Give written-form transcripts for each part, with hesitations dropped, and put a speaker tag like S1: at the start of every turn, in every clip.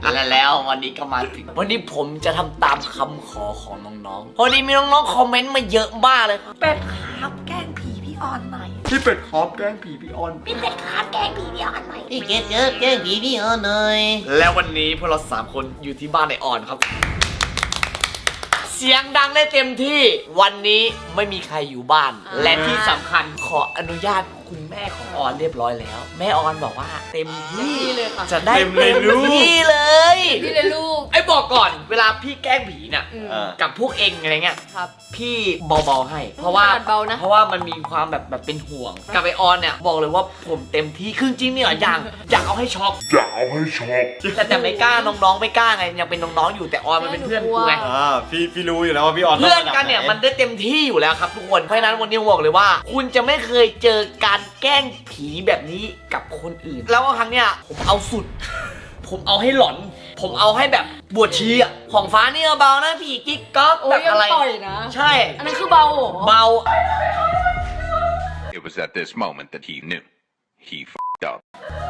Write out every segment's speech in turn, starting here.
S1: แล้ววันนี้ก็มาถึงวันนี้ผมจะทำตามคำขอของน้องๆวันนี้มีน้องๆคอมเมนต์มาเยอะมากเลยครับเป็ดครับแกล้งผีพี่ออนหน่อยพี่เป็ดครับแกล้งผีพี่ออนพี่เป็ดครับแกล้งผีพี่ออนหน่อยพี่เป็ดครับแกล้งผีพี่ออนหน่อยแล้ววันนี้พวกเรา3 คนอยู่ที่บ้านในออนครับเสียงดังได้เต็มที่วันนี้ไม่มีใครอยู่บ้านและที่สำคัญขออนุญาตคุณแม่ของออนเรียบร้อยแล้วแม่ออนบอกว่าเต็มที่เลยค่ะจะได้เต็มที่เลย
S2: ที่เลยลูก
S1: ไอ้บอกก่อนเวลาพี่แกล้งผีเนี่ยกับพวกเองอะไรเงี้ย
S2: ครับ
S1: พี่เบาๆให้เพราะว่ามันมีความแบบเป็นห่วงกับไอออนเนี่ยบอกเลยว่าผมเต็มที่คือจริงเนี่ยอยากเอาให้ช็อกแต่ไม่กล้าน้องๆไม่กล้าไงยังเป็นน้องๆอยู่แต่ออนมันเป็นเพื่อนกูไง
S3: พี่รู้อยู่แล้วว่าพี่ออน
S1: เพื่อนกันเนี่ยมันได้เต็มที่อยู่แล้วครับทุกคนเพราะฉะนั้นวันนี้ผมบอกเลยว่าคุณจะไม่เคยเจอการแกล้งผีแบบนี้กับคนอื่นแล้วครั้งเนี้ยผมเอาสุดผมเอาให้หลอนผมเอาให้แบบบวชชีอะของฟ้านี่เบานะผีกิ๊กก๊อกแบบอะไรใช่
S2: อันนั้นคือเบา
S1: เบา
S4: It was at this moment that he knew he f***ed up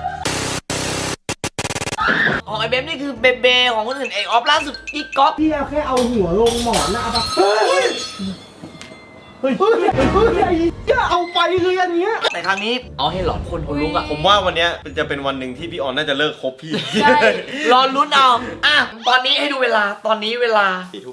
S1: ของไอเบมนี่คือเบเบของคนอื่นไอออฟล่าสุดกิ๊กก๊อก
S5: พี่แค่เอาหัวลงหมอนนะเอาปะเฮ้ยจะเอาไปเลยอันเนี้ย
S1: แต่ครั้งนี้เอาให้หลอนคนลุกอะ
S3: ผมว่าวันนี้จะเป็นวันหนึ่งที่พี่ออนน่าจะเลิกคบพี่
S1: รอลุ้นเอาตอนนี้ให้ดูเวลาตอนนี้เวลา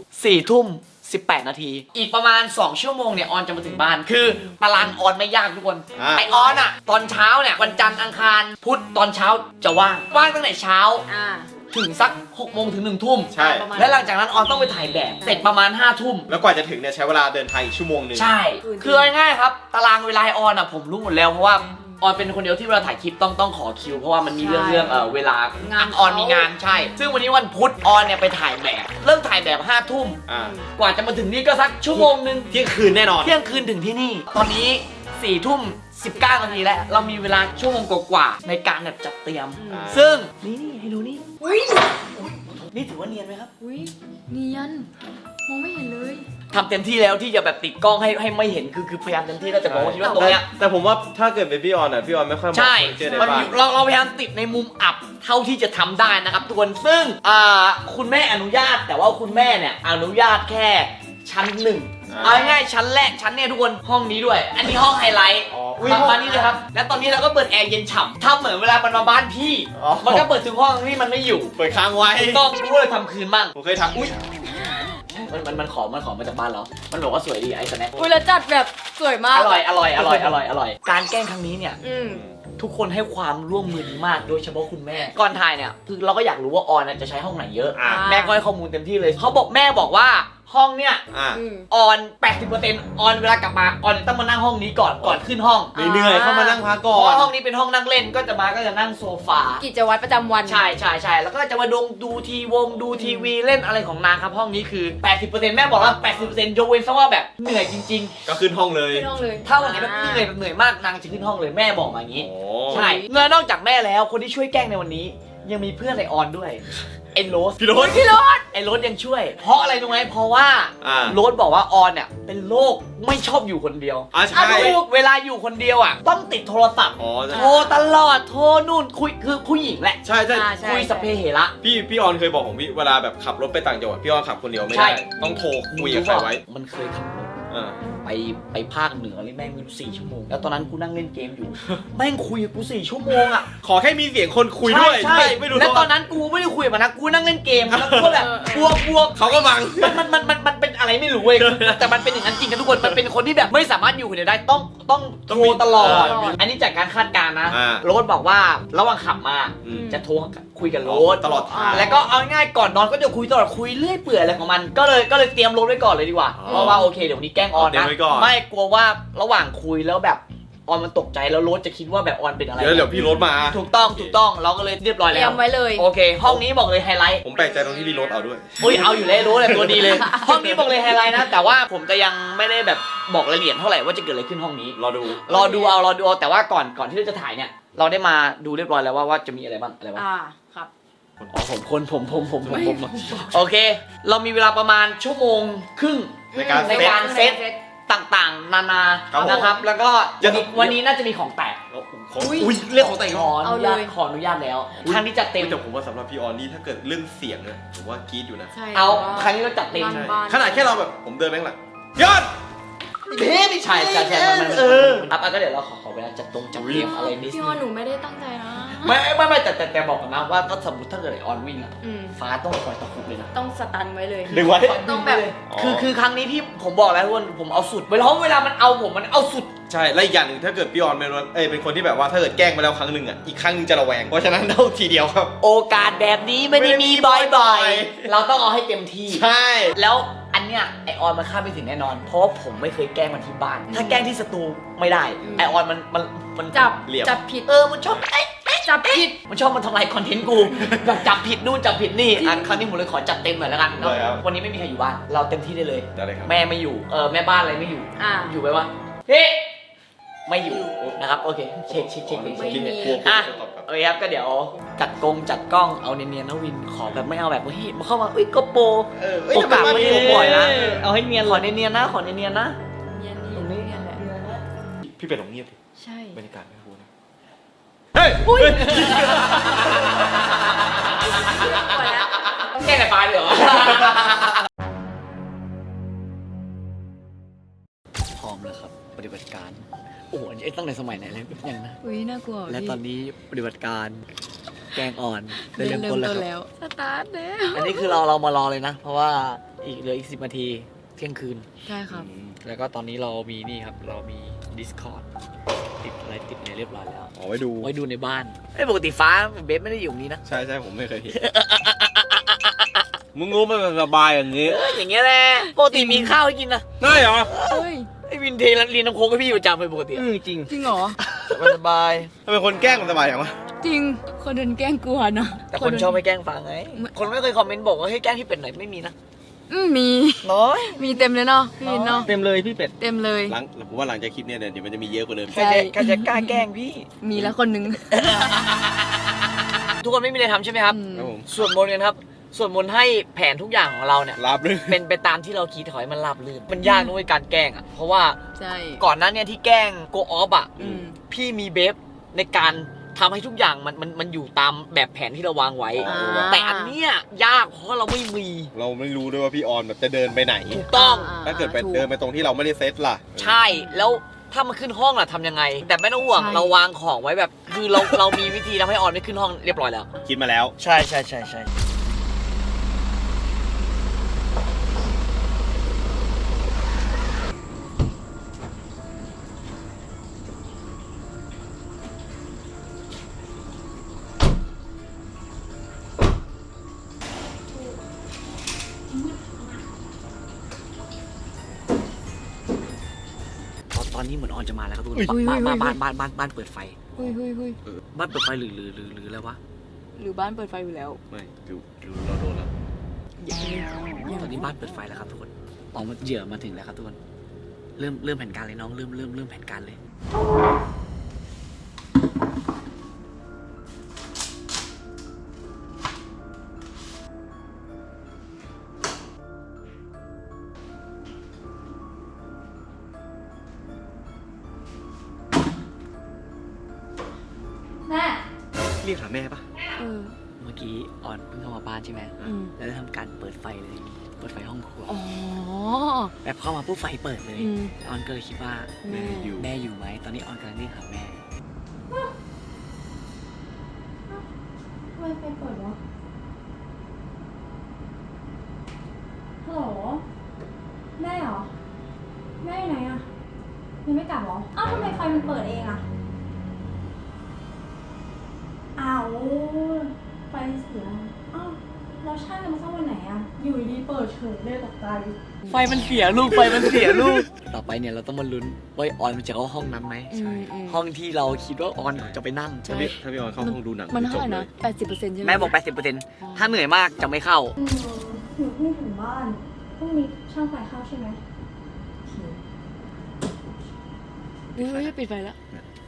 S1: 4 ทุ่ม 18 นาทีอีกประมาณ2 ชั่วโมงเนี่ยออนจะมาถึงบ้านคือตารางออนไม่ยากทุกคนไอออนอะตอนเช้าเนี่ยวันจันทร์อังคารพุธตอนเช้าจะว่างตั้งแต่เช้าถึงสัก6 โมงถึง1 ทุ่ม
S3: ใช่
S1: และหลังจากนั้นออนต้องไปถ่ายแบบเสร็จประมาณ5 ทุ่ม
S3: แล้วกว่าจะถึงเนี่ยใช้เวลาเดินทางอีกชั่วโมงนึง
S1: ใช่คือง่ายๆครับตารางเวลาออนอะผมรู้หมดแล้วเพราะว่าออนเป็นคนเดียวที่เวลาถ่ายคลิปต้องขอคิวเพราะว่ามันมีเรื่องเวลาออนมีงานใช่ซึ่งวันนี้วันพุธออนเนี่ยไปถ่ายแบบเริ่มถ่ายแบบ5 ทุ่มกว่าจะมาถึงนี่ก็สักชั่วโมงนึง
S3: เที่ยงคืนแน่นอน
S1: เที่ยงคืนถึงที่นี่ตอนนี้4 ทุ่ม 19 นาทีแล้วเรามีเวลาชั่วโมงกว่าๆในการแบบจัดเตรียมซึ่งนี่ให้ดูนี่นี่ถือว่าเนียนไหมครับ
S2: เนียนมองไม่เห็นเลย
S1: ทำเต็มที่แล้วที่จะแบบติดกล้องให้ไม่เห็นคือพยายามเต็มที่แล้วแต่บอกว่าคิดว่าตรงเนี้ย
S3: แต่ผมว่าถ้าเกิดเป็นพี่ออนพี่ออนไม่ค่อย
S1: ใช่
S3: มัน
S1: เราพยายามติดในมุมอับเท่าที่จะทำได้นะครับทุกคนซึ่งคุณแม่อนุญาตแต่ว่าคุณแม่เนี่ยอนุญาตแค่ชั้น 1เอาง่ายๆชั้นแรกชั้นเนี่ยทุกคนห้องนี้ด้วยอันนี้ห้องไฮไลท์มานี่เลยครับแล้วตอนนี้เราก็เปิดแอร์เย็นฉ่ำทำเหมือนเวลามันมาบ้านพี่มันก็เปิดถึงห้องที่มันไม่อยู่
S3: เปิดค้างไว้
S1: ต้องรู้เลยทำคืนบ้าง
S3: ผมเคยทำ
S1: มันขอมาจากบ้านเรามันบอกว่าสวยดีไอ้สแน็ค
S2: แล้วจัดแบบสวยมาก
S1: อร่อยการแกล้งครั้งนี้เนี่ยทุกคนให้ความร่วมมือดีมากโดยเฉพาะคุณแม่ก่อนถ่ายเนี่ยคือเราก็อยากรู้ว่าออนจะใช้ห้องไหนเยอะแม่ก็ให้ข้อมูลเต็มที่เลยเขาบอกแม่บอกว่าห้องเนี่ยออน 80% ออนเวลากลับมาออนต้องมานั่งห้องนี้ก่อนขึ้นห้อง
S3: เหนื่อยเข้ามานั่งพักก่อน
S1: เพราะห้องนี้เป็นห้องนั่งเล่นก็จะนั่งโซฟา
S2: กิจวัตรประจำวัน
S1: ใช่แล้วก็จะมาดูทีวีเล่นอะไรของนางครับห้องนี้คือ 80% แม่บอกว่า 80% ยกเว้นซะว่าแบบเหนื่อยจริง
S3: ๆก็ขึ้นห้องเลย
S1: ถ้าวันไหนแบบเหนื่อยมากนางจะขึ้นห้องเลยแม่บอกมาอย่างนี้ใช่เงินนอกจากแม่แล้วคนที่ช่วยแกล้งในวันนี้ยังมีเพื่อนไอออนด้วยไอ้โรส
S3: พี่โรส
S1: ไอ้โรสยังช่วยเพราะอะไรรู้ไหมเพราะว่าโรสบอกว่าออนเนี่ยเป็นโรคไม่ชอบอยู่คนเดียว
S3: ใช่
S1: เวลาอยู่คนเดียวต้องติดโทรศัพท์โทรตลอดโทรนู่นคุยคือผู้หญิงแหละ
S3: ใช่
S1: คุยสเปเหระ
S3: พี่ออนเคยบอกผมเวลาแบบขับรถไปต่างจังหวัดพี่ออนขับคนเดียวไม่ได้ต้องโทรคุยกับใครไว้
S1: มันเคยขับรถไปภาคเหนือเลยแม่งไม่รู้4 ชั่วโมงแล้วตอนนั้นกูนั่งเล่นเกมอยู่แม่งคุยกับกู4 ชั่วโมง
S3: ขอแค่มีเสียงคนคุยด้วย
S1: ใช่ไม่รู้แล้วตอนนั้นกูไม่ได้คุยกับมันนะกูนั่งเล่นเกมแล้วกูแบบบวก
S3: เขาก็บัง
S1: มันเป็นอะไรไม่รู้เว้ยแต่มันเป็นอย่างนั้นจริงกันทุกคนมันเป็นคนที่แบบไม่สามารถอยู่คนเดียวได้ต้องโทรตลอดอันนี้จากการคาดการณ์นะโรสบอกว่าระหว่างขับมาจะโทรคุยกับโรส
S3: ตลอดทาง
S1: แล้วก็เอาง่ายก่อนนอนก็จะคุยตลอดคุยเรื่อยเปื่อยอะไรของมันก็เลยเตรียมโรสไว้ก่อนเลยดีกว่าเพราะว่าโอเคเดี๋ยวนี้แกล้งออนนะไม่กลัวว่าระหว่างคุยแล้วแบบออนมันตกใจแล้วโรสจะคิดว่าแบบออนเป็นอะไร
S3: เดี๋ยวพี่โรสมา
S1: ถูกต้องเราก็เลยเรียบร้อยแล้ว
S2: เตรียมไว้เลย
S1: โอเคห้องนี้บอกเลยไฮไลท์
S3: ผมแปลกใจตรงที่พี่โรสเอาด้วย
S1: เอาอยู่เลยโรสตัวดีเลยห้องนี้บอกเลยไฮไลท์นะแต่ว่าผมจะยังไม่ได้แบบบอกรายละเอียดเท่าไหร่ว่าจะเกิดอะไรขึ้นห้องนี้
S3: รอดู
S1: เอาแต่ว่าก่อนที่เราจะถ่ายเนี่ยเราได้มาดูเรียบร้อยแล้วว่าจะมีอะไรบ้าง
S2: ครับ
S1: ผมโอเคเรามีเวลาประมาณ1.5 ชั่วโมงในการเซตต่างๆ นานา
S3: ครับผม
S1: นะครับ แล้วก็
S3: จะ
S1: วันนี้น่าจะมีของแตก
S3: อุ้ยเรื่องของแต่ง
S1: ข
S3: งา
S1: อน อนุญาตขออนุญาตแล้วครั้งนี้จัดเต็ม
S3: แต่ผมว่าสำหรับพี่ออนนี่ถ้าเกิดเรื่องเสียงเนี่ยผมว่ากรี๊ดอยู่นะ
S2: ใช่
S1: เอาครั้งนี้เราจัดเต็ม
S2: บ้าน
S3: ขนาดแค่เราแบบผมเดินไปข้างหลังยอด
S1: ไม่ใช่ใช่มันครับก็เดี๋ยวเราขอเวลาจัดเตรียมอะไรนิด
S2: พี่
S1: นึ
S2: ออน
S1: ง
S2: หนูไม่ได้ตั้งใจนะ
S1: ไม่แต่บอกกันนะว่าถ้าสมมติถ้าเกิดไอออนวิ่งอะ
S2: อืม
S1: ฟ้าต้องคอยตะคุบเลยนะ
S2: ต้องสตันไว้เลย
S3: ดึงไว้
S2: ต้องแบบ
S1: คือครั้งนี้พี่ผมบอกแล้วทุกคนผมเอาสุดเวลามันเอาผมมันเอาสุด
S3: ใช่และอีกอย่างหนึ่งถ้าเกิดพี่ออนเป็นคนที่แบบว่าถ้าเกิดแกล้งไปแล้วครั้งหนึ่งอ่ะอีกครั้งหนึงจะระแวงเพราะฉะนั้นเอาทีเดียวครับ
S1: โอกาสแบบนี้ไม่ได้มีบ่อยๆเราต้องเอาให้เต็มที่
S3: ใช่
S1: แล้วอันเนี้ยไอออนมันคาดไม่ถึงแน่นอน เพราะว่าผมไม่เคยแกล้งมันที่บ้าน ถ้าแกล้งที่สตูไม่ได้ ไอออนมัน
S2: จับ
S3: เหลี่ยม
S2: จับผิด
S1: มันชอบเอ๊ะ
S2: จับผิด
S1: มันชอบมันทำลายคอนเทนต์กู แบบจับผิดนู่นจับผิดนี่อ่ะครั้งนี้ผมเลยขอจัดเต็มหน่อยแล้วกันเนอะ
S3: ได้ครับ
S1: วันนี้ไม่มีใครอยู่บ้าน เราเต็มที่ได้เลย
S3: ได้เลยครับ
S1: แม่ไม่อยู่แม่บ้านอะไรไม่อยู่ อยู่ไปวะเฮ้ไม่อยู่นะครับโอเคเช็ค
S2: ไม่มี
S1: อ่ะโอเคครับก็เดี๋ยวจัดกล้องเอาเนียนๆนะวินขอแบบไม่เอาแบบเฮ้ยมาเข้ามาอุ้ยก็โปร โอกาสไม่ได้บ่อยนะเอาให้เนียนขอเนียนๆนะขอเนียนๆนะ
S2: เนียน
S1: ตรงนี้
S2: เนียนแหละ
S3: พี่เป็นของเงียบดิ
S2: ใช่
S3: บรรยากาศไม่พูดนะเฮ้ย
S2: อุ้ย
S1: ต้องแก้แต่ปลายเลยเหรอพร้อมแล้วครับปฏิบัติการโอ้โหอันนี้ตั้งแต่สมัยไหนเลยยังนะ
S2: อุ้ยน่ากลัว
S1: และตอนนี้ปฏิบัติการแกงอ่อนได้
S2: เริ่
S1: เริ่
S2: ม
S1: มต้น
S2: ต้น
S1: แล้วค
S2: แล้
S1: รับ
S2: วสตาร์ทแล้ว
S1: อันนี้คือเรามารอเลยนะ เพราะว่าเหลืออีก10 นาทีเที่ยงคืน
S2: ใช่ครับ
S1: แล้วก็ตอนนี้เรามีนี่ครับเรามี Discord ติดอะไรเรียบร้อยแล้ว
S3: เอาไว้ดู
S1: ไว้ดูในบ้านปกติฟ้าเบสไม่ได้อยู่ตรงนี้นะ
S3: ใช่ผมไม่เคยเห็น มึงรู้มันสบายอย่างนี้
S1: อย่างเงี้ยแหละปกติมีข้าวให้กินนะ
S3: ได้เหรอ
S2: เฮ้ย
S1: ไอ้วินเทเรียนน้ำโค้งให้พี่อยู่ประจำเลยปกติอะ
S3: จริง
S2: จริงเหรอ
S1: สบาย
S3: ถ้าเป็นคนแกล้งมันสบายอย่างวะ
S2: จริง คนโดนแกล้งกลัวนะ
S1: แต่คนชอบไม่แกล้งฟังไง คนไม่เคยคอมเมนต์บอกว่าให้แกล้งพี่เป็ดหน่อยไม่มีนะ
S2: มี
S1: น้อย
S2: มีเต็มเลยเนาะพี่วินเนาะ
S5: เต็มเลยพี่เป็ด
S2: เต็มเลย
S3: ผมว่าหลังจากคลิปเนี้ยเดี๋ยวมันจะมีเยอะกว่าเดิม
S1: ใครจะกล้าแกล้งพี่
S2: มีแล้วคนหนึง
S1: ทุกคนไม่มีอะไรทำใช่ไหมครับ
S3: ครับผม
S1: สวดมนต์กันครับสวดมนต์ให้แผนทุกอย่างของเราเนี่ย
S3: รับเลย
S1: เป็นไปตามที่เราคิดถอยมันราบรื่นมันยากด้วยการแกล้งอ่ะเพราะว่า
S2: ใช่
S1: ก่อนหน้าเนี่ยที่แกล้งโกออฟอ่ะ
S2: อืม
S1: พี่มีเบฟในการทำให้ทุกอย่างมันอยู่ตามแบบแผนที่เราวางไว้ แต่อันเนี้ยยากเพราะเราไม่มี
S3: เราไม่รู้ด้วยว่าพี่ออนแบบจะเดินไปไหน
S1: ถูกต้อง
S3: ถ้าเกิดไป
S2: ถู
S3: เดินไปตรงที่เราไม่ได้เซตล่ะ
S1: ใช่แล้วถ้ามันขึ้นห้องล่ะทำยังไง แต่ไม่ต้องห่วง
S2: ใช่
S1: เราวางของไว้แบบคือเรามีวิธีทำให้ออนไม่ขึ้นห้องเรียบร้อยแล้ว
S3: คิดมาแล้ว
S1: ใช่ตอนนี้เหมือนออนจะมาแล้วครับทุกคนบ้านเปิดไฟ
S2: เฮ้ย
S1: บ้านเปิดไฟหรืออะไรวะ
S2: หรือบ้านเปิดไฟอยู่แล้ว
S3: ไม่ดูเราโดนแล้ว
S1: ตอนนี้บ้านเปิดไฟแล้วครับทุกคนออกมาเหยื่อมาถึงแล้วครับทุกคนเริ่มแผนการเลยน้องเริ่มแผนการเลย
S2: แม่
S3: เรียกหาแม่ปะ
S1: เมื่อกี้ออนเพิ่งเข้ามาบ้านใช่ไหม แล้วได้ทำการเปิดไฟเลย เปิดไฟห้องครัว
S2: อ๋อ
S1: แบบเข้ามาปุ๊บไฟเปิดเลย
S2: อืม
S1: ออนก็เลยคิดว่า
S2: แม่
S1: แม่อยู่ไหม ตอนนี้ออนกำลังเรียกหาแม่
S6: ทำไมไฟเปิดวะฮัลโหล แม่เหรอ แม่อยู่ไหนอะยังไม่กลับเหรอ อ้าวทำไมไฟมันเปิดเองอะอ้าวไฟเสีย อ้าวเราช่างกันมาสักวันไหนอะอยู่ดีๆเปิดเฉยเลยตกใจ
S1: ไฟมันเสียลูก ไฟมันเสียลูก ต่อไปเนี่ยเราต้องมาลุ้นว่าออนมันจะเข้าห้องนั้นไหม ห้องที่เราคิดว่าออนจะไปนั่ง
S3: ถ้าพี่ออนเข้าห้องดูหนัง
S2: มัน
S3: จ
S2: เท่า
S3: บ
S2: ไหร่
S3: เล
S2: นะ
S3: ย
S2: 80%ใช่ไหม
S1: แม่บอก 80%ถ้าเหนื่อยมากจะไม่เข้า
S6: หนูเพิ่งถึงบ้าน พรุ่งนี้ช่างไฟเข้าใช่ไหมโอเค
S2: เฮ้ยปิดไฟแล้ว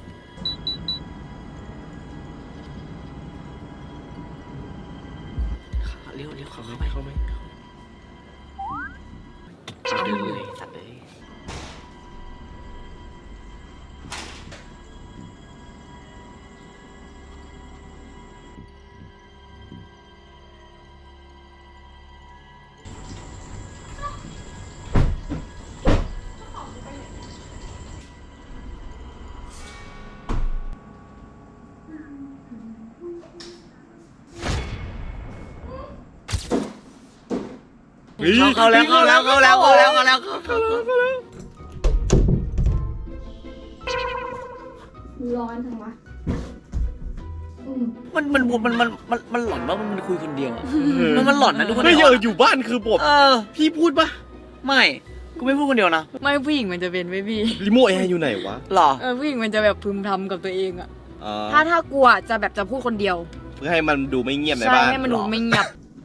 S1: เร็วเข้าไปเดินเลยสัตว์เลยเข้าแล้วเข้าแล้วเข้าแล้วเข้าแล้วเข้าแล้วเข้าแล้ว
S6: ร้อนจังวะ
S1: มันหลอนว่ามันคุยคนเดียวอะมันหลอนนะทุกคน
S3: ไม่อยู่บ้านคือผมพี่พูดปะ
S1: ไม่กูไม่พูดคนเดียวนะ
S2: ไม่ผู้หญิงมันจะเป็นไม่พี่
S3: รีโมทแอร์อยู่ไหนวะ
S1: หรอ
S2: ผู้หญิงมันจะแบบพึมพำกับตัวเองอะ
S3: อ๋อ
S2: ถ้ากลัวจะแบบจะพูดคนเดียว
S3: เพื่อให้มันดูไม่เงียบใน
S2: ใช่
S3: บ้าน
S2: ให้มันดูไม่เงียบ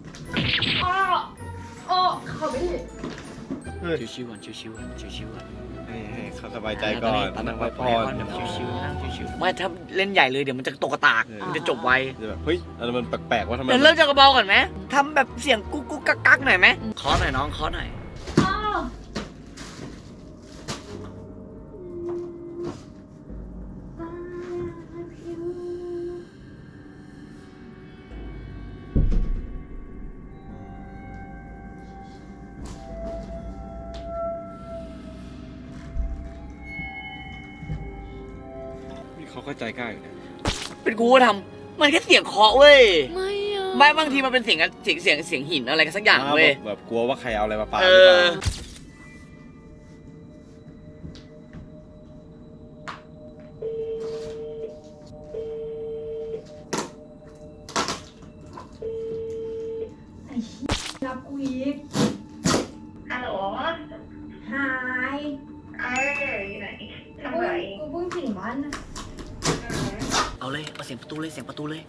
S1: ชิวๆก่อนชิวๆก่อนชิวๆก่อน
S3: ให้เขาสบายใจก่อน
S1: ตอนนั้น
S3: พักผ่อน
S1: แบบชิวๆนั่งชิวๆไม่ถ้าเล่นใหญ่เลยเดี๋ยวมันจะตกกระตากมันจะจบไว
S3: จะแบบเฮ้ยอะไรมันแปลกๆว่าทำไม
S1: เดี๋ยวเริ่มจากกระเบาก่อนไหมทำแบบเสียงกุ๊กกุ๊กกักกักหน่อยไหมขอหน่อยน้องขอหน่อย
S3: เขาเข้าใจง่ายอยู่นะ
S1: เป็นกูก็ทำมันแค่เสียงเคาะเว้ย
S2: ไม่อะ
S1: ไม่บางทีมันเป็นเสียงหินอะไรกันสักอย่างเว้ย
S3: แบบกลัวว่าใครเอาอะไรมาปาห
S1: เอ
S3: รือเปล่า
S1: อ
S6: รับกูอีก
S7: ฮัลโหล
S6: หาย
S7: อยู่ไหนทำไร
S6: กูเพิ่งถึงบ้านนะ
S1: เอาเลยเอาเสียงประตูเลยเสียงประตูเลย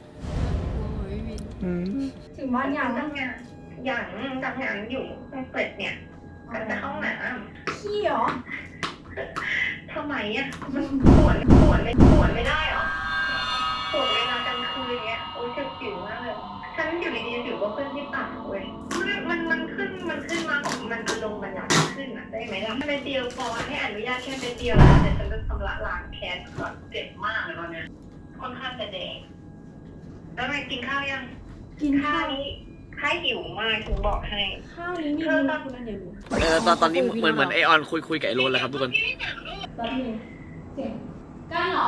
S6: ถึงบ้านยัง
S7: ทำงานอย่างทำงานอยู่เปิดเนี่ยก็จะเข้าห้องน้
S6: ขี้เหรอ
S7: ำทำไมอ่ะมันปวดไม่ได้หรอปวดเวลากลางคืนเงี้ยโอ้ยเจ็บผิวมากเลยฉันอยู่ดีๆผิวก็ขึ้นที่ปากเว้ยมันขึ้นมาของมันลงมันอยากขึ้นอ่ะได้ไหมล่ะเป็นเดียวพอให้อนุญาตแค่เป็นเดียวแล้วแต่ฉันจะชำระล้างแค้นก่อนเจ็บมากเลยตอนเนี้ยค่อนข้างจะแดงแล้วไงกินข้าวยัง
S6: กิน
S7: ข้า
S6: ข้าว ว
S7: นี้ข้าหิวมากถึงบอกให้
S6: ข้าวนี้มีเนื้อคุณนั่นเดี๋ยวดู
S1: ตอนนี้เหมือนไอออนคุยกับไอโรนแล้วครับทุกคน
S6: แป๊บนึงเสียงกันเหรอ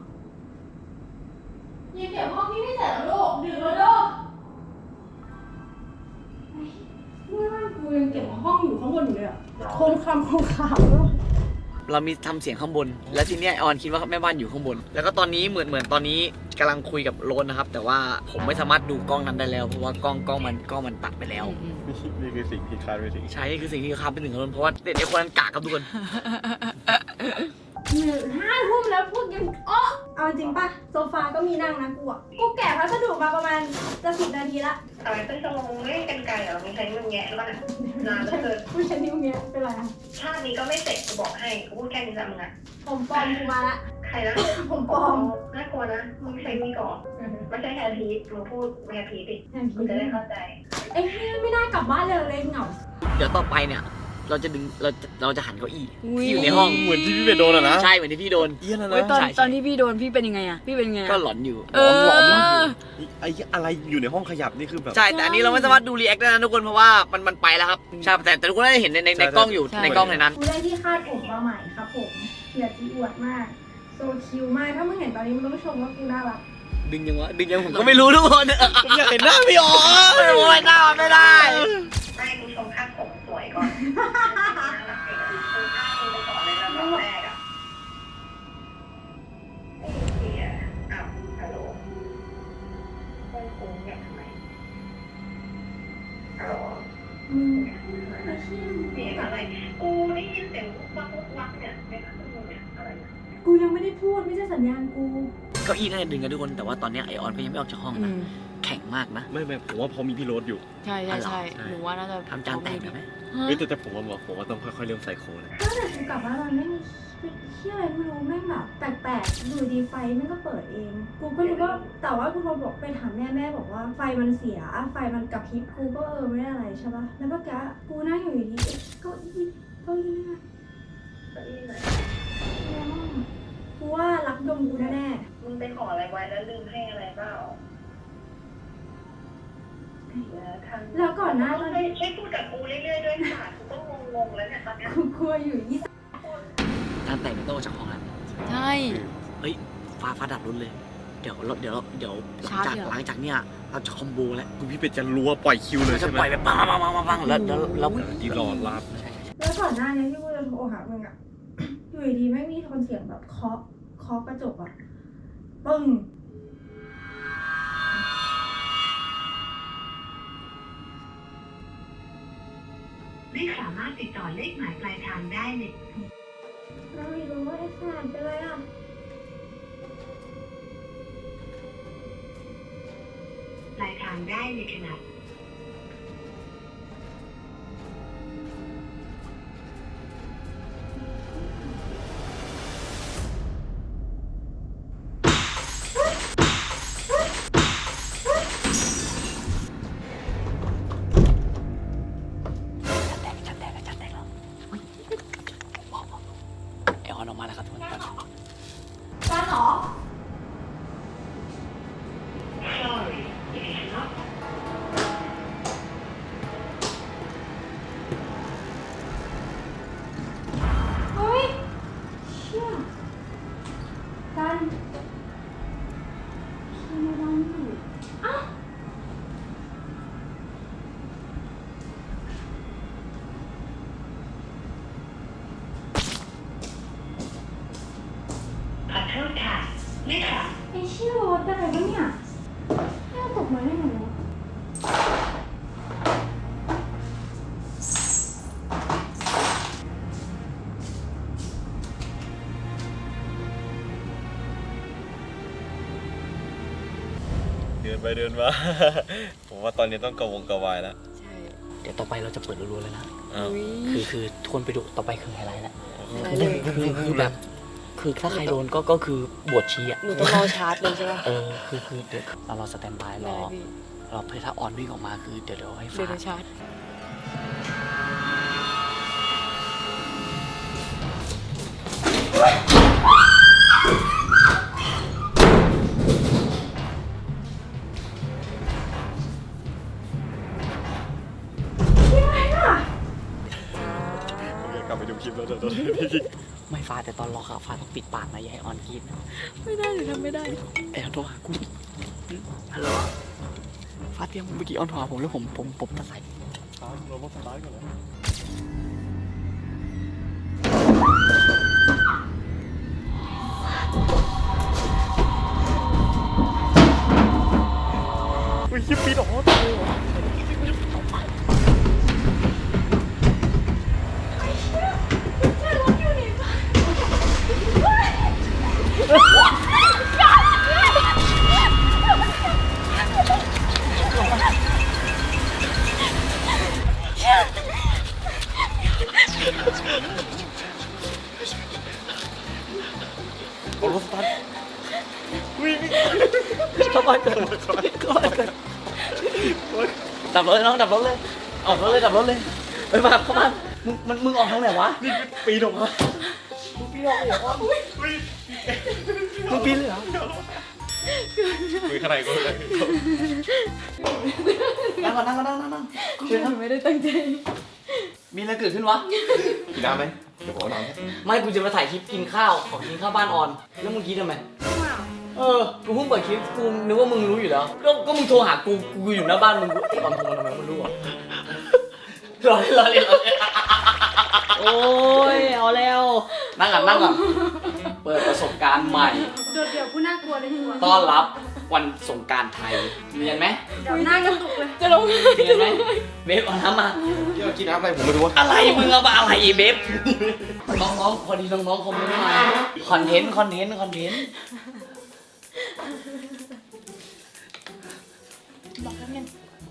S6: ยังเก็บห้องที่ไม่เสร็จแล้วลูกดึกแล้วลูกเมื่อวานกูยังเก็บห้องอยู่ข้างบนอยู่เลยอะโคมคำลูก
S1: เรามีทำเสียงข้างบน แล้วทีเนี้ยไอออนคิดว่าแม่บ้านอยู่ข้างบน แล้วก็ตอนนี้เหมือนตอนนี้กำลังคุยกับโรนนะครับ แต่ว่าผมไม่สามารถดูกล้องนั้นได้แล้วเพราะว่ากล้องมันตัดไปแล้ว
S3: นี่คือสิ่งที่คาดไม่ถึง
S1: ใช่นี่คือสิ่งที่คาดไปถึงโรนเพราะว่าเด็กไอคนนั้นกากครับทุกคน
S6: 5 ทุ่มแล้วพูดยังอ้อเอาจริงป่ะโซฟาก็มีนั่งนะกูอ่ะกูแกะพัสดุมาประมาณจะ10 นาทีละ
S7: อะไรเป็นชั่วโมงเล่นกันไกลเหรอไม่ใช่มึงแงะแล้วนะนานเหลือเกิน
S6: กูใช้นิ้วเงี้ยเป็นไรอะ
S7: ชาตินี้ก็ไม่เสร็จกูบอกให้กูพูดแค่นี้ละมึงอะ
S6: ผมปลอมกูมาละ
S7: ใครนะ
S6: ผมปลอม
S7: น่ากลัวนะมึงใช้มีก่อนไม่ใช่แฮร์พีทมึงพูดแฮร์พีทดิ
S6: แทน
S7: กู
S6: พี่
S7: จะได้เข้าใจ
S6: ไอ้เหี้ยไม่น่ากลับบ้านเลยเหงา
S1: เดี๋ยวต่อไปเนี่ย เราจะหันเก้าอี้ที่อยู่ในห้อง
S3: เหมือนที่พี่เป็นโดนอะนะ
S1: ใช่เหมือนที่พี่โดน
S3: เอี้ยนะ
S2: เฮ้ยตอน
S1: ใช่
S2: ตอนที่พี่โดนพี่เป็นยังไงอะพี่เป็นไงอะ
S1: ก็หลอนอยู่
S3: หลอนไอ้อะไรอยู่ในห้องขยับนี่คือแบบ
S1: ใช่แต่อันนี้เราไม่สามารถดูรีแอคได้นะทุกคนเพราะว่ามันไปแล้วครับใช่แต่ทุกคนได้เห็นในกล้องอยู่ในกล้องในนั้น
S6: กูได้ที่คาดผมมาใหม่ครับผมอยากจะอวดมากโซคิวมากถ้ามึงเห็นตอนนี้มึงต้องชมว่ากูน่ารัก
S1: ดึงยังผมก็ไม่รู้ทุกคน
S3: ผมอยากเห็นหน้าพี่อ๋อ
S1: โอ้ยหน้าไม่ได้
S7: ไม่กูชมค่าผมสวยก่อนคือค่ามึงไปก่อนเลยนะตอนแรกอะไอ้เหี้ยอ้าวฮัลโหลเพื่อนกูเนี่ยทำไมฮัลโหล
S6: มึง
S7: เสียงอะไรกูได้ยินเสียงวักเนี่ยในพัดลมเนี่ยอะไรนะ
S6: กูยังไม่ได้พูดไม่ใช่สัญญาณกู
S1: เก้าอี้น่าจะดึงกันทุกคนแต่ว่าตอนนี้ไอออนก็ยังไม่ออกจากห้อง
S2: อื
S1: นะ
S2: ม
S1: แข็งมากนะ
S3: ไม่ผมว่าพอมีพี่โรสอยู่
S2: ใช่ใช่ใช่หนูว่าน่าจะ
S1: ทำจานแตกได้ไหม
S2: ฮะ
S3: เฮ้ยแต่ผมว่าต้องค่อยๆเริ่มใส่โค้ดนะ
S6: ตั้งแต่กูกลับบ้านมันไม่มีเที่ยอะไรไม่รู้แม่งแบบแปลกๆอยู่ดีไฟแม่งก็เปิดเอง กูก็รู้ว่าแต่ว่ากูโทรบอกไปถามแม่บอกว่าไฟมันเสียไฟมันกระพริบกูก็ไม่ได้อะไรใช่ปะแล้วเมื่อกี้กูนั่งอยู่ดีๆเก้าอี้เนี่ย
S7: เก้าอี้ไหน
S6: กูว่ารักดมกูแน่
S7: มึงไปขออะไรไว้แล้วลืมให้อะไรเปล่า
S6: ๆแล้วก่อนหน้าตอน
S7: ช่วยพูดกับกูเรื่อยๆด้วยค่ะกูก็งงๆแล้วเนี่ยตอนเนี้ย
S6: กูกลัวอยู่ยี่
S1: จานแตกไม่ต้องออกจากห้องแล้ว
S2: ใช่
S1: เฮ้ยฟ้าดับรุนเลยเดี๋ยวหลังจากเนี้ยเราจะคอมโบแล้ว
S3: คุณพี่เป็ดจะรัวปล่อยคิวเลย
S1: เราจะ
S3: ใช่ไหม
S1: ปล่อยไปปังแล้ว
S3: ที่รอรับ
S6: แล้วก่อนหน้านี้ที่กูจะโทรหามึงอะ อยู่ดีๆไม่มีโทนเสียงแบบเคาะกระจกอะปึ้ง
S7: ไม่สามารถติดต่อเลขหมายปลายทางได้เลย
S6: เราไม่รู้ว่าไอ้แฟนเป็นไรอะ
S7: ปลายทางได้ในขณะ
S1: จัดแตกแล้วไอออนออกมาแล้วครับทุกคน
S6: การหรอ
S7: Sorry it is not
S6: เฮ้ยเชี่ยกันทำไมเราไม่อยู่อ้าว
S7: ขอโทษค่ะไม่ค่ะ
S6: ไอ้เชี่ยรถอะไรวะเนี่ยแม่ตกมาได้ไงวะ
S3: เดินไปเดินมา ผมว่าตอนนี้ต้องกระวงกระวายแล้ว
S2: ใช่
S1: เดี๋ยวต่อไปเราจะเปิดรัวๆเลยนะ
S3: อ้าว
S1: คือทวนไปดูต่อไปคือไฮไลท์แล้ว
S2: ได้เลย
S1: คือแบบคือถ้าใครโดนก็คือบวชชีอ่ะ
S2: หนูต้องรอชาร์จเลยใช่ปะ
S1: คือเดี๋ยวเรารอสแตนบายร
S2: ได้
S1: อ
S2: พี่
S1: เราเพื่อถ้าออนวิ่งออกมาคือเดี๋ยวให้
S2: เดี๋
S1: ฟ้า
S2: ยวชาร์จ
S3: ผมอยากกลับไปดูคลิปแล้วเดี๋ยว
S1: ไม่ฟ้าแต่ตอนรอค่ะฟ้าต้องปิดปากนะอย่าให้ออนกรีดนะ
S2: ไม่ได้หนูทำไม่ได้
S1: ไอ้ออนโทรหากูฮัลโหลฟ้าเตรียมเมื่อกี้ออนโทรหาผมแล้วผมตัดสาย
S3: เราต้องสตาร์ทก่อนนะอุ้ยคลิปปีดออกตายเลยเหรอ เอารถสตาร์ทวิ่ง
S1: เข้าบ้านเกิดดับรถเลยน้องดับรถเลยออกรถเลยดับรถเลยไปมาเข้ามามึงออกทางไหนวะ
S3: นี่ปีดออกมา
S1: มึงปีนเลยเหรอ
S3: คุยข้างในก็ได้
S1: นั่งก่อนนั่งเชิญ
S2: หนูไม่ได้ตั้งใจ
S1: มีอะไรเกิดขึ้นวะ
S3: กินน้ำไหมเดี๋ยวผมเอาน้ำให้
S1: ไม่กูจะมาถ่ายคลิปกินข้าวของกินข้าวบ้านออน แล้วมึงคิดทำไมกูเพิ่งเปิดคลิปกูนึกว่ามึงรู้อยู่แล้วก็มึงโทรหากูอยู่หน้าบ้านมึงไอ้ออนโทรมาทำไมมึงรู้อ่ะรอเล่นโอ้ยเอาแล้วนั่งก่อนเปิดประสบการณ์ใหม่
S6: โดดเดี่ยวผู้น่ากลัวเลยหัว
S1: ต้อนรับวันสงกรานต์ไทยเนียนไหม
S6: เดี๋ยวหน้ากระตุกเลย
S2: จะลง
S1: เนียนไหมเบฟเอาน้ำมา
S3: พี่เอากินน้ำอะไรผมไม่รู้ว่า
S1: อะไรมึงเอามาอะไรอีเบฟน้องๆพอดีน้องๆคอมเมนต์มาคอนเทนต์
S6: บอกแล้วไง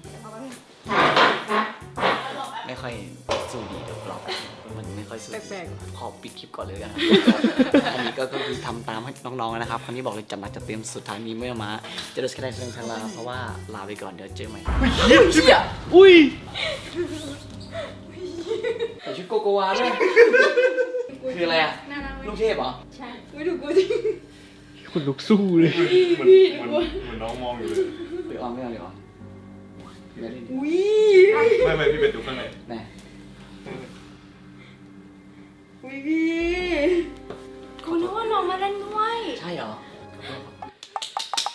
S1: ไม่ค่อยสู้ดีเดี๋ยวเรามันไม่ค่อยสู้
S2: แปลก
S1: ขอปิดคลิปก่อนเลยกัน อันนี้ก็คือทำตามให้น้องๆนะครับคราวนี้บอกเลยจัดหนักจัดเต็มสุดท้ายนี้ไม่มาจะดูสกายเรื่องทางลาเพราะว่าลาไปก่อนเดี๋ยวเจอใหม่เชี่ยอุ้ยใส่ชุดโกโกวาด้วยคืออะไรอ่ะ
S6: น่ารักไหม
S1: ลูกเทพเหรอ
S6: ใช่
S2: ไม่ดูกูจริง
S3: คุณลุกสู้เลย
S2: พี่
S3: เหมือนน้องมองอยู่เลย
S1: ไปออนไม่เอาเลยเหรอไม่ได้ดิ
S2: อุ้ย
S3: ไม่พี่เป็ดดูข้างใน
S1: แน่
S2: อุ้ยพี่
S6: กูนึกว่าน้องมาเล่นด้วย
S1: ใช่เหรอ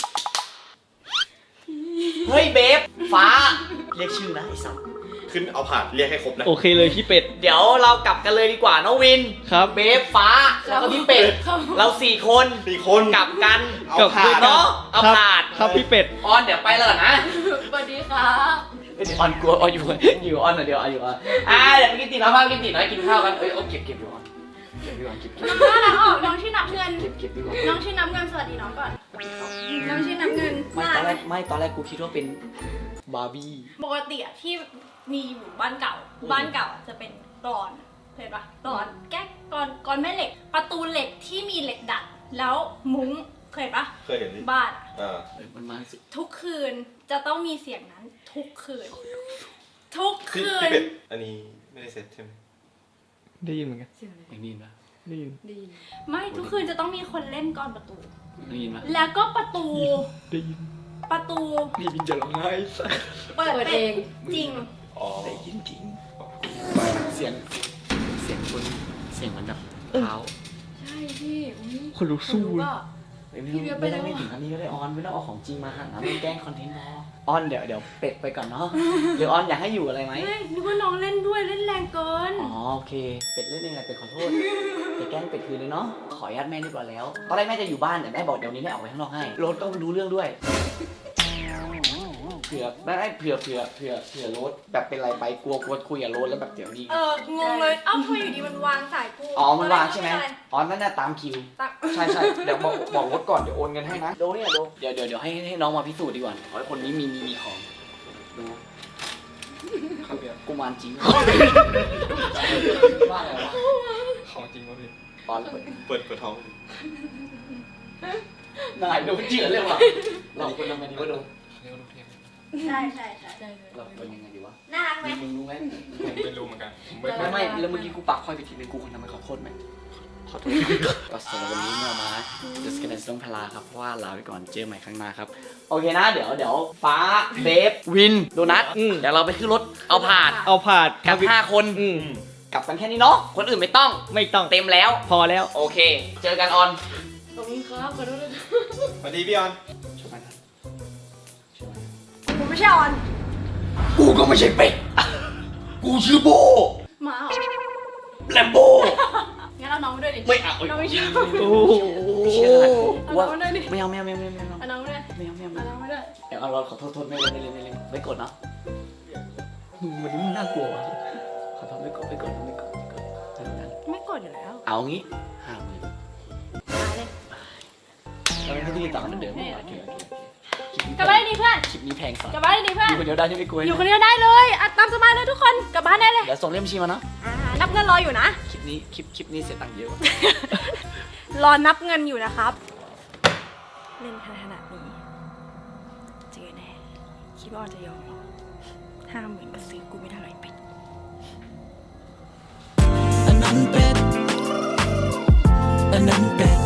S1: เฮ้ยเบฟฟ้าเรียกชื่อนะไอ้สัส
S3: ขึ้นเอาผ่านเรียกให้ครบนะ
S5: โอเคเลยพี่เป็ด
S1: เดี๋ยวเรากลับกันเลยดีกว่าน้องวิน
S5: ครับ
S1: เบฟฟ้าแล้วก็พี่เป็ดเรา4 คน
S3: 4 คน
S1: กลับกัน
S3: เอาผ่าน
S1: เนาะเอา
S5: ครับ
S1: ผ่าน
S5: ครับพี่เป็ด
S1: ออนเดี๋ยวไปเลยนะ
S2: สวัสดีครับ
S1: เดี๋ยวออนกลัวออนอยู่ออนหน่อยเดี๋ยวออนอยู่ออนเดี๋ยวไปกินตีน้ำข้าวกินตีน้อยกินข้าวกันโอ้เก็บอยู่ออนเก็บอยู่ออนเก็บ
S6: น่ารักออกน้องชื่อนับเงิน
S1: เก็บอยู่ออน
S6: น้องชื่อนับเงินสวัสดีน้องก่อน น้องชื่อนับเงิน
S1: ไม่ตอนแรกกูคิดว่าเป็นบาร์บี้
S6: ปกติอะที่มีอยู่บ้านเก่าอะจะเป็นกรอนเห็นปะกรอนแก๊กกรอนแม่เหล็ก ประตูเหล็กที่มีเหล็กดัดแล้วมุ้งเคยปะ
S3: เคยเห็นดิ
S6: บ้านอะ
S1: มันมาสุด
S6: ทุกคืนจะต้องมีเสียงนั้นทุกคืน ทุก
S3: พี่
S6: คืน
S3: เป็ดอันนี้ไม่ได้เซ็ตใช่ไหม
S5: ได้ยินเหมือนกัน
S1: อย่างนี้ปะ
S5: ได้ยิน
S6: ไม่ทุกคืนจะต้องมีคนเล่นกรอนประตู
S1: ได้ยินปะ
S6: แล้วก็ประตู
S5: ได้ยิน
S6: ประตู
S1: นี่บินจะร้องไห้
S6: เปิดเองจริง
S3: อ๋อ
S1: ได้ยินจริงเสียงคนเสียงมันแบบเท้า
S2: ใช่พี่อุ๊ย
S5: คนลุกสู้
S2: รู้
S5: เลย
S2: ป่ะ
S1: ไม่ต้องถึงอันนี้ก็ได้ออนไม่ต้องเอาของจริงมาหาไม่แกล้งคอนเทนต์พอออนเดี๋ยวเป็ดไปก่อนเนาะหรือออนอยากให้อยู่อะไรไหม
S6: เฮ้ยนึกว่าน้องเล่นด้วยเล่นแรงเกิน
S1: อ๋อโอเคเป็ดเล่นเองแหละเป็ดขอโทษเป็ดแกล้งเป็ดคืนเลยเนาะขออนุญาตแม่เรียบร้อยแล้วตอนแรกแม่จะอยู่บ้านแต่แม่บอกเดี๋ยวนี้แม่ออกไปข้างนอกให้รถก็รู้เรื่องด้วยเผื่อไม่เผื่อรถแบบเป็นไรไปกลัวคุยกับรถแล้วแบบเดี๋ยวนี้
S6: งงเลย เอ้าทำไมอยู่ดีมันวางสายกู
S1: อ๋อมันวางใช่ไหมอ๋อนั่นน่ะตามคิว
S6: ตัก
S1: ใช่เดี๋ยวบอกรถก่อนเดี๋ยวโอนเงินให้นะโดเนี่ยโดเดี๋ยวให้น้องมาพิสูจน์ดีกว่าขอให้คนนี้มีของดูกุมารจริงว่าอะไรวะ
S3: ของจริงป่ะพี่
S1: ตอน
S3: เปิดท้อง
S1: นายดูเจือเลยว่ะเราควรทำไงดีวะดู
S6: ใช่
S1: เราควรยังไงดีวะ
S6: น่ารักไหม
S1: มึงรู้ไหม
S3: ไม่รู้เหมือนกัน
S1: ไม่แล้วเมื่อกี้กูปักค่อยไปทีนึงกูควรทำไมขอโทษไหมขอโทษก็สำหรับวันนี้เมื่อมาจะสแกนต้องพลาครับเพราะว่าลาไปก่อนเจอใหม่ครั้งหน้าครับโอเคนะเดี๋ยวฟ้าเบฟวินโดนัทเดี๋ยวเราไปขึ้นรถเอาผ่าน
S5: เอาผ่าน
S1: กับ5 คน
S5: อืม
S1: กลับกันแค่นี้เนาะคนอื่นไม่ต้อง
S5: ไม่ต้อง
S1: เต็มแล้ว
S5: พอแล้ว
S1: โอเค เจอกันออน
S2: ขอบคุณครับขอโทษด้วย
S3: สวัสดีพี่ออน
S6: กูไม่ใช่ออน
S1: กูก็ไม่ใช่เป็ดกูชื่อโบ
S6: หมาเหรอ
S1: แลมโบ
S6: งั้นเอาน้องมาด้วยดิ
S1: ไม่เอา
S6: น้องไม่ชอบ
S5: โอ้โห
S1: เชื่อ
S6: เอา
S1: ว่า
S6: น้องมาด้วยดิ
S1: ไม่เอา
S6: เอาน้องมาด้วย
S1: ไม่เอา
S6: เอาน้องมาด้วย
S1: เดี๋ยวเอาเราขอโทษไม่เล่นไม่กดเนาะมึงวันนี้มึงน่ากลัววะขอโทษไม่กดเท่านั้น
S6: ไม่กดอยู่แล้ว
S1: เอางี้50,000
S6: มาเลย
S1: เราไม่ต้องต่อกันเดิมโอเค
S6: กลับบ้านได้ดีเพื่อน
S1: คลิปนี้แพงสัส
S6: กลับบ้านได้ดีเพื่อน
S1: อยู่คนเดียวได้ใช่ไหมกู
S6: อยู่คนเดียวได้เลยอ่ะตามสบายเลยทุกคนกลับบ้านได้เลย
S1: เดี๋ยวส่งเล่มบัญชีมาเนาะ
S6: นับเงินรออยู่นะ
S1: คลิปนี้เสียตังค์เยอะ
S6: รอนับเงินอยู่นะครับ เล่นขนาดนี้เจอแน่คิดว่าออนจะยอมหรอ50,000ก็ซื้อกูไม่ได้หรอกเป็ด
S8: อันนั้นเป็ด